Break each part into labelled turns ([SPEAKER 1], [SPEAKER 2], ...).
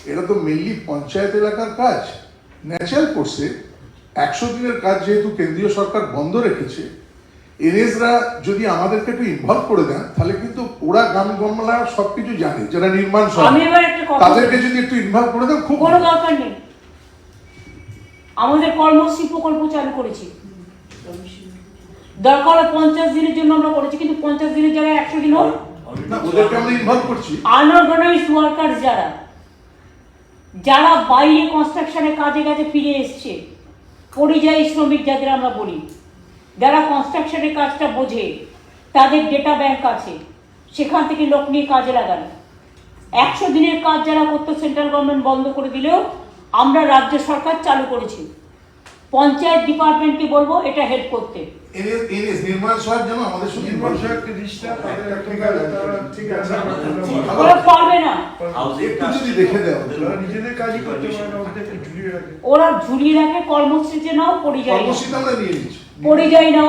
[SPEAKER 1] এটা তো মেনলি পঞ্চায়েত এলাকার কাজ। ন্যাচারাল কোর্সে 100 দিনের কাজ যেহেতু কেন্দ্রীয় সরকার বন্ধ রেখেছে, এনএসরা যদি আমাদেরকে একটু ইনভলভ করে দেন তাহলে কিন্তু ওরা গ্রাম গমলা সবকিছু জানে, যারা নির্মাণ তাদেরকে যদি একটু ইনভলভ করে দেন খুব
[SPEAKER 2] কোনো দরকার নেই। আমাদের কর্মশ্রী প্রকল্প চালু করেছি, দরকার 50 দিনের জন্য আমরা করেছি, কিন্তু 50 দিনের জায়গায় 100 দিন হোক।
[SPEAKER 1] ওদেরকে আমরা ইনভলভ করছি।
[SPEAKER 2] আনঅর্গানাইজড ওয়ার্কার যারা বাইরে কনস্ট্রাকশনের কাজে কাজে ফিরে এসছে, পরিযায়ী শ্রমিক যাদের আমরা বলি, যারা কনস্ট্রাকশনের কাজটা বোঝে, তাদের ডেটা ব্যাংক আছে, সেখান থেকে লোক নিয়ে কাজে লাগান। 100 দিনের কাজ যারা করতো সেন্ট্রাল গভর্নমেন্ট বন্ধ করে দিলেও আমরা রাজ্য সরকার চালু করেছি। পঞ্চায়েত ডিপার্টমেন্টকে বলবো এটা হেল্প করতে।
[SPEAKER 1] নির্মাণ সহায়ক যেন আমাদের সঙ্গে
[SPEAKER 2] ওরা পারবে না, ওরা ঝুলিয়ে রাখে। কর্মসূচিতে নাও, পরিযায়ী নাও,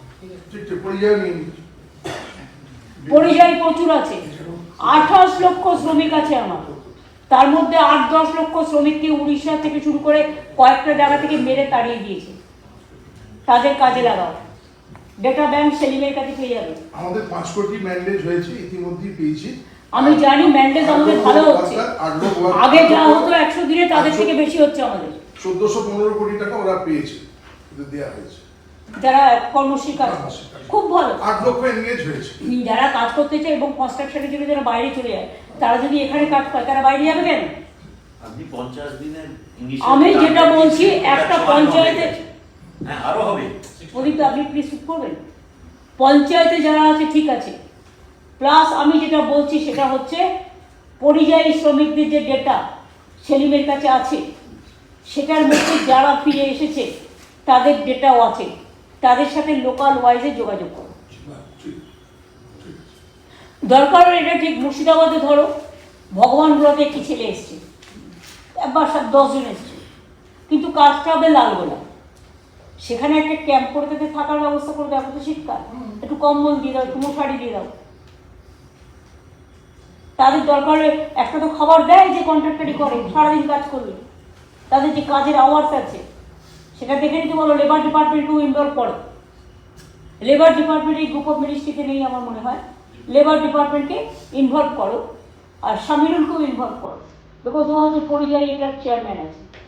[SPEAKER 2] পরিযায়ী প্রচুর আছে। 28 লক্ষ শ্রমিক আছে আমার, তার মধ্যে 8-10 লক্ষ শ্রমিককে উড়িষ্যা থেকে শুরু করে কয়েকটা জায়গা থেকে মেরে তাড়িয়ে দিয়েছে। তাদের কাজে লাগাও, ডেটা ব্যাংক সেলিমের কাছে পেয়ে যাবে।
[SPEAKER 1] আমাদের 5 কোটি ম্যান্ডেজ হয়েছে, ইতিমধ্যেই পেয়েছি।
[SPEAKER 2] আমি জানি ম্যান্ডেজ আমাদের ভালো হচ্ছে, আগে যা হতো 100 দিনে তাদের থেকে বেশি হচ্ছে আমাদের।
[SPEAKER 1] 1415 কোটি টাকা ওরা পেয়েছে, দেওয়া হয়েছে
[SPEAKER 2] যারা কর্মশ্রী কাজ, খুব ভালো।
[SPEAKER 1] 8 লক্ষ এনগেজ হয়েছে।
[SPEAKER 2] যারা কাজ করতে চায় এবং কনস্ট্রাকশনের জন্য যারা বাইরে চলে যায়, তারা যদি এখানে কাজ পায় তারা বাইরে যাবে কেন?
[SPEAKER 3] আপনি 50 দিনের
[SPEAKER 2] আমি যেটা বলছি, একটা পঞ্চায়েতে
[SPEAKER 3] আরো হবে।
[SPEAKER 2] প্রদীপ, আপনি প্লিজ চুপ করবেন। পঞ্চায়েতে যারা আছে ঠিক আছে, প্লাস আমি যেটা বলছি সেটা হচ্ছে পরিযায়ী শ্রমিকদের যে ডেটা সেলিমের কাছে আছে, সেটার মধ্যে যারা ফিরে এসেছে তাদের ডেটাও আছে, তাদের সাথে লোকাল ওয়াইজে যোগাযোগ করো। দরকার এটা ঠিক মুর্শিদাবাদে ধরো, ভগবানগুলোতে একটি ছেলে এসছে, একবার 10 জন এসছে, কিন্তু কাজটা হবে লালগোলা। সেখানে একটা ক্যাম্প করে তাদের থাকার ব্যবস্থা করে দেওয়া, তো শীতকাল একটু কম্বল দিয়ে দাও, একটু মশারি দিয়ে দাও। তাদের দরকার একটা তো খাবার দেয় যে কন্ট্রাক্টারই করে, সারাদিন কাজ করবে। তাদের যে কাজের আওয়ার্স আছে সেটা দেখে নিতে বলো। লেবার ডিপার্টমেন্টকেও ইনভলভ করো। লেবার ডিপার্টমেন্ট এই গ্রুপ অফ মিনিস্ট্রিতে নেই আমার মনে হয়, লেবার ডিপার্টমেন্টকে ইনভলভ করো, আর সামিরুলকেও ইনভলভ করো, বিকজ ও হচ্ছে পরিযায়ী এটার চেয়ারম্যান আছে।